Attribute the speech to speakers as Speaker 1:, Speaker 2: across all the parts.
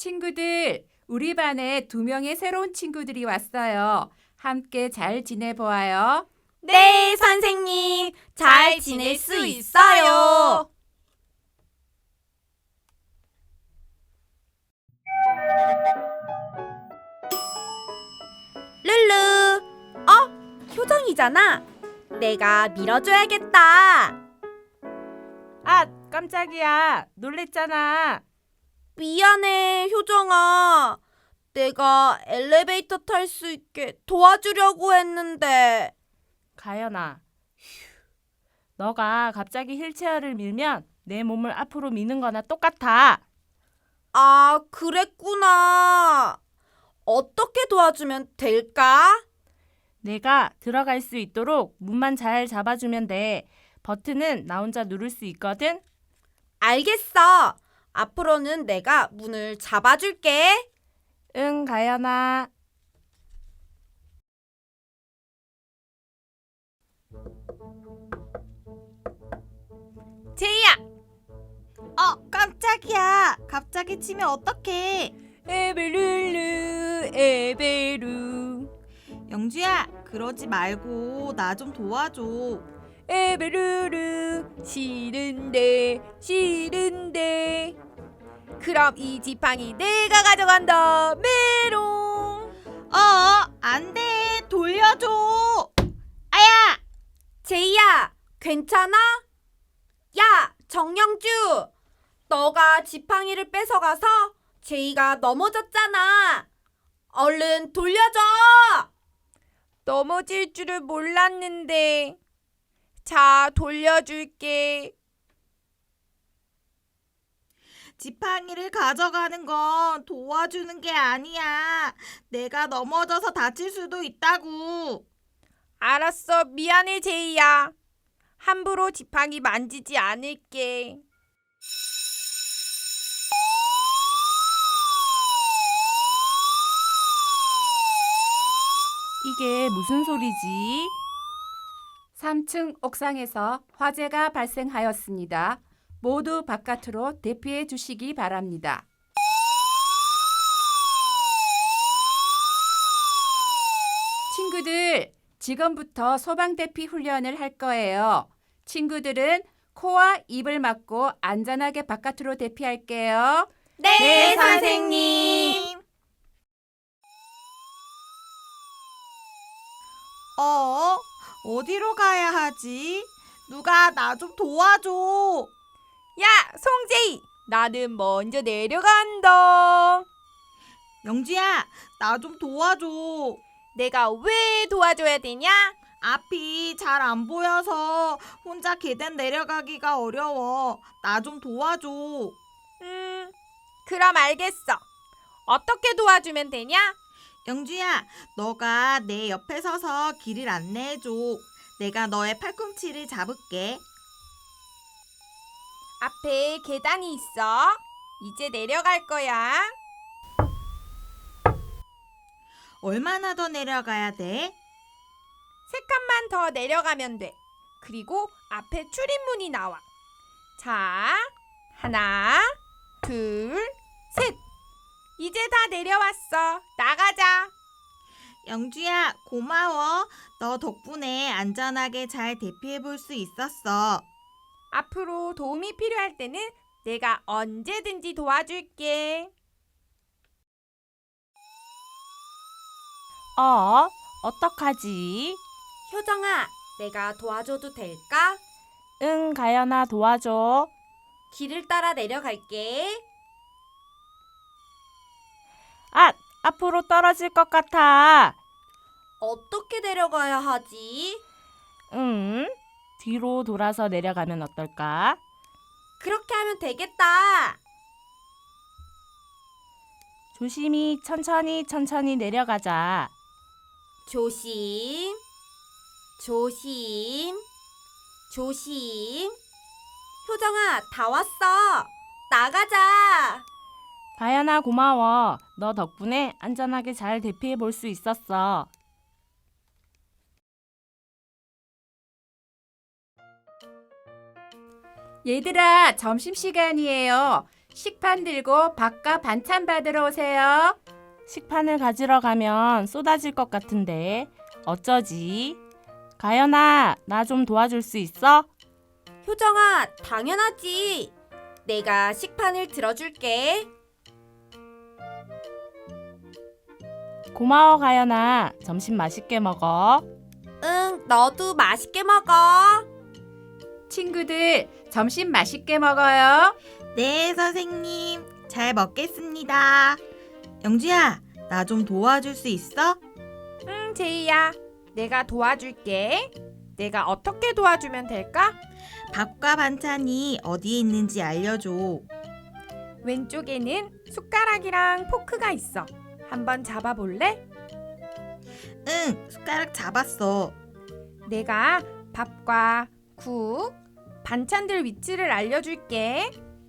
Speaker 1: 친구들, 우리 반에 2명의 새로운 친구들이 왔어요. 함께 잘 지내보아요.
Speaker 2: 네, 선생님. 잘 지낼 수 있어요. 룰루. 효정이잖아. 내가 밀어줘야겠다.
Speaker 1: 아, 깜짝이야. 놀랬잖아.
Speaker 2: 미안해, 효정아. 내가 엘리베이터 탈 수 있게 도와주려고 했는데.
Speaker 1: 가연아, 너가 갑자기 휠체어를 밀면 내 몸을 앞으로 미는 거나 똑같아.
Speaker 2: 아, 그랬구나. 어떻게 도와주면 될까?
Speaker 1: 내가 들어갈 수 있도록 문만 잘 잡아주면 돼. 버튼은 나 혼자 누를 수 있거든.
Speaker 2: 알겠어. 앞으로는 내가 문을 잡아줄게.
Speaker 1: 응, 가연아.
Speaker 2: 제이야. 깜짝이야. 갑자기 치면 어떡해.
Speaker 1: 에베룰루, 에베루.
Speaker 3: 영주야, 그러지 말고 나 좀 도와줘.
Speaker 1: 에베루루, 싫은데, 싫은데.
Speaker 2: 그럼 이 지팡이 내가 가져간다. 메롱.
Speaker 3: 안 돼. 돌려줘.
Speaker 2: 아야. 제이야, 괜찮아? 야, 정영주. 너가 지팡이를 뺏어가서 제이가 넘어졌잖아. 얼른 돌려줘.
Speaker 1: 넘어질 줄을 몰랐는데. 자, 돌려줄게.
Speaker 3: 지팡이를 가져가는 건 도와주는 게 아니야. 내가 넘어져서 다칠 수도 있다고.
Speaker 1: 알았어, 미안해, 제이야. 함부로 지팡이 만지지 않을게. 이게 무슨 소리지? 3층 옥상에서 화재가 발생하였습니다. 모두 바깥으로 대피해 주시기 바랍니다. 친구들, 지금부터 소방 대피 훈련을 할 거예요. 친구들은 코와 입을 막고 안전하게 바깥으로 대피할게요.
Speaker 2: 네, 선생님.
Speaker 3: 어디로 가야 하지? 누가 나 좀 도와줘.
Speaker 1: 야, 송제이! 나는 먼저 내려간다.
Speaker 3: 영주야, 나 좀 도와줘.
Speaker 1: 내가 왜 도와줘야 되냐?
Speaker 3: 앞이 잘 안 보여서 혼자 계단 내려가기가 어려워. 나 좀 도와줘.
Speaker 1: 그럼 알겠어. 어떻게 도와주면 되냐?
Speaker 3: 영주야, 너가 내 옆에 서서 길을 안내해줘. 내가 너의 팔꿈치를 잡을게.
Speaker 1: 앞에 계단이 있어. 이제 내려갈 거야.
Speaker 3: 얼마나 더 내려가야 돼?
Speaker 1: 3칸만 더 내려가면 돼. 그리고 앞에 출입문이 나와. 자, 하나, 둘, 셋. 이제 다 내려왔어. 나가자.
Speaker 3: 영주야, 고마워. 너 덕분에 안전하게 잘 대피해 볼 수 있었어.
Speaker 1: 앞으로 도움이 필요할 때는 내가 언제든지 도와줄게. 어떡하지?
Speaker 2: 효정아, 내가 도와줘도 될까?
Speaker 1: 응, 가연아, 도와줘.
Speaker 2: 길을 따라 내려갈게.
Speaker 1: 앞으로 떨어질 것 같아.
Speaker 2: 어떻게 내려가야 하지?
Speaker 1: 뒤로 돌아서 내려가면 어떨까?
Speaker 2: 그렇게 하면 되겠다.
Speaker 1: 조심히 천천히 내려가자.
Speaker 2: 조심, 조심, 조심. 효정아, 다 왔어. 나가자.
Speaker 1: 가연아, 고마워. 너 덕분에 안전하게 잘 대피해 볼 수 있었어. 얘들아, 점심시간이에요. 식판 들고 밥과 반찬 받으러 오세요.
Speaker 4: 식판을 가지러 가면 쏟아질 것 같은데 어쩌지? 가연아, 나 좀 도와줄 수 있어?
Speaker 2: 효정아, 당연하지. 내가 식판을 들어줄게.
Speaker 4: 고마워, 가연아. 점심 맛있게 먹어.
Speaker 2: 응, 너도 맛있게 먹어.
Speaker 1: 친구들, 점심 맛있게 먹어요.
Speaker 3: 네, 선생님. 잘 먹겠습니다. 영주야, 나 좀 도와줄 수 있어?
Speaker 5: 응, 제이야. 내가 도와줄게. 내가 어떻게 도와주면 될까?
Speaker 3: 밥과 반찬이 어디에 있는지 알려줘.
Speaker 5: 왼쪽에는 숟가락이랑 포크가 있어. 한번 잡아볼래?
Speaker 3: 응, 숟가락 잡았어.
Speaker 5: 내가 밥과 국, 반찬들 위치를 알려줄게.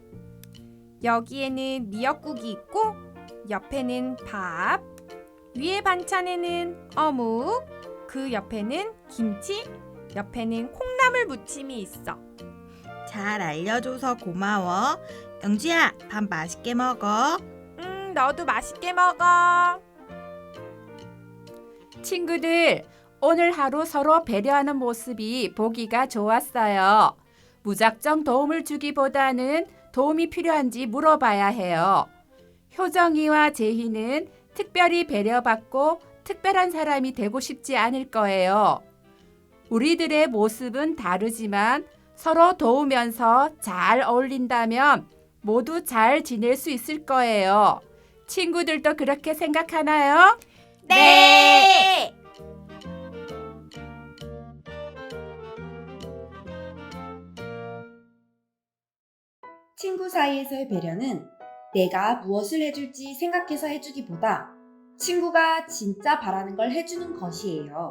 Speaker 5: 여기에는 미역국이 있고 옆에는 밥, 위에 반찬에는 어묵, 그 옆에는 김치, 옆에는 콩나물 무침이 있어.
Speaker 3: 잘 알려줘서 고마워. 영주야, 밥 맛있게 먹어.
Speaker 5: 너도 맛있게 먹어.
Speaker 1: 친구들, 오늘 하루 서로 배려하는 모습이 보기가 좋았어요. 무작정 도움을 주기보다는 도움이 필요한지 물어봐야 해요. 효정이와 제희는 특별히 배려받고 특별한 사람이 되고 싶지 않을 거예요. 우리들의 모습은 다르지만 서로 도우면서 잘 어울린다면 모두 잘 지낼 수 있을 거예요. 친구들도 그렇게 생각하나요?
Speaker 2: 네.
Speaker 6: 친구 사이에서의 배려는 내가 무엇을 해줄지 생각해서 해주기보다 친구가 진짜 바라는 걸 해주는 것이에요.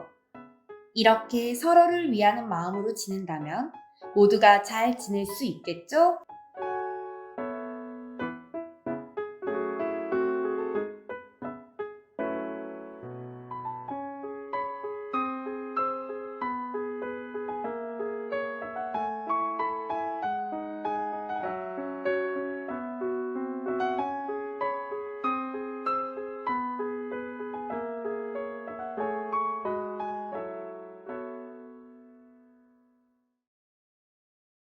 Speaker 6: 이렇게 서로를 위하는 마음으로 지낸다면 모두가 잘 지낼 수 있겠죠?